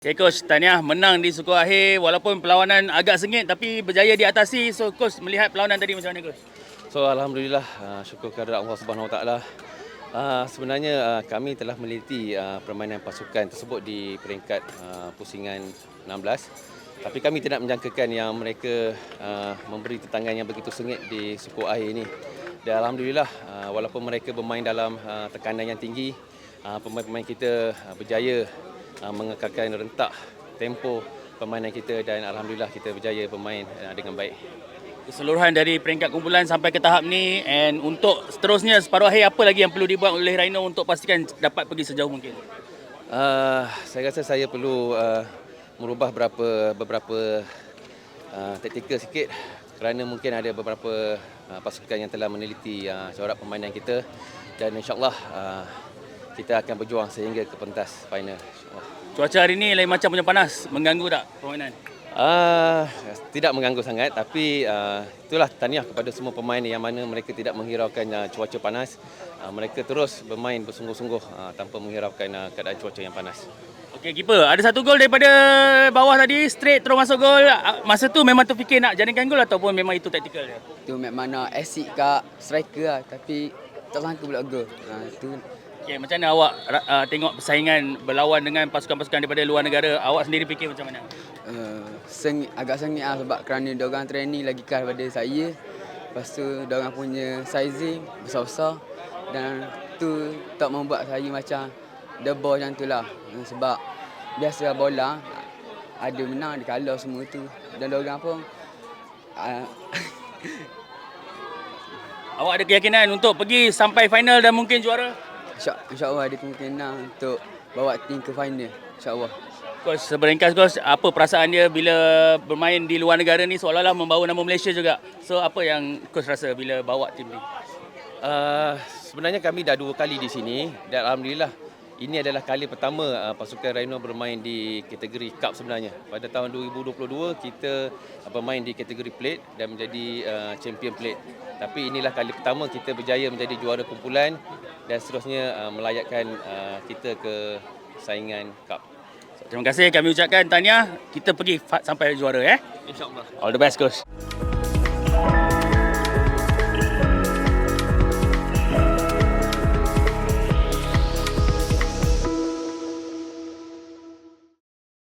Okay, Coach, tahniah menang di suku akhir walaupun perlawanan agak sengit tapi berjaya diatasi. So, Coach melihat perlawanan tadi macam mana, Coach? So alhamdulillah, syukur kehadirat Allah Subhanahu Wa Taala. Sebenarnya kami telah meneliti permainan pasukan tersebut di peringkat pusingan 16. Tapi kami tidak menjangkakan yang mereka memberi tentangan yang begitu sengit di suku akhir ini. Dan alhamdulillah, walaupun mereka bermain dalam tekanan yang tinggi, pemain-pemain kita berjaya mengekalkan rentak tempo permainan kita dan alhamdulillah kita berjaya bermain dengan baik. Keseluruhan dari peringkat kumpulan sampai ke tahap ni, and untuk seterusnya separuh akhir, apa lagi yang perlu dibuat oleh Rhino untuk pastikan dapat pergi sejauh mungkin? Saya rasa saya perlu merubah beberapa taktikal sikit kerana mungkin ada beberapa pasukan yang telah meneliti corak permainan kita dan insyaAllah kita akan berjuang sehingga ke pentas final. Cuaca hari ni lain macam punya panas, mengganggu tak permainan? Tidak mengganggu sangat, tapi itulah tahniah kepada semua pemain yang mana mereka tidak menghiraukan cuaca panas. Mereka terus bermain bersungguh-sungguh tanpa menghiraukan keadaan cuaca yang panas. Okey, keeper, ada satu gol daripada bawah tadi, straight terus masuk gol. Masa tu memang terfikir nak jadikan gol ataupun memang itu taktikal dia? Tu mana asyik kat striker lah, tapi tak sangka pula gol. Tu Okay, macam mana awak tengok persaingan berlawan dengan pasukan-pasukan daripada luar negara? Awak sendiri fikir macam mana? agak sengit lah sebab kerana diorang training lagi keras daripada saya. Lepas tu diorang punya sizing besar-besar dan tu tak membuat saya macam debor macam tu lah. Sebab biasa bola ada menang, ada kalah semua tu. Dan diorang pun Awak ada keyakinan untuk pergi sampai final dan mungkin juara? InsyaAllah ada kemungkinan untuk bawa tim ke final. InsyaAllah. Coach, seberingkas Coach, apa perasaan dia bila bermain di luar negara ni seolah-olah membawa nama Malaysia juga. So apa yang Coach rasa bila bawa tim ni? Sebenarnya kami dah 2 kali di sini dan alhamdulillah ini adalah kali pertama pasukan Rhino bermain di kategori Cup sebenarnya. Pada tahun 2022 kita bermain di kategori Plate dan menjadi champion Plate. Tapi inilah kali pertama kita berjaya menjadi juara kumpulan dan seterusnya melayakkan kita ke saingan Cup. Terima kasih kami ucapkan tahniah, kita pergi sampai juara. InsyaAllah. All the best Coach.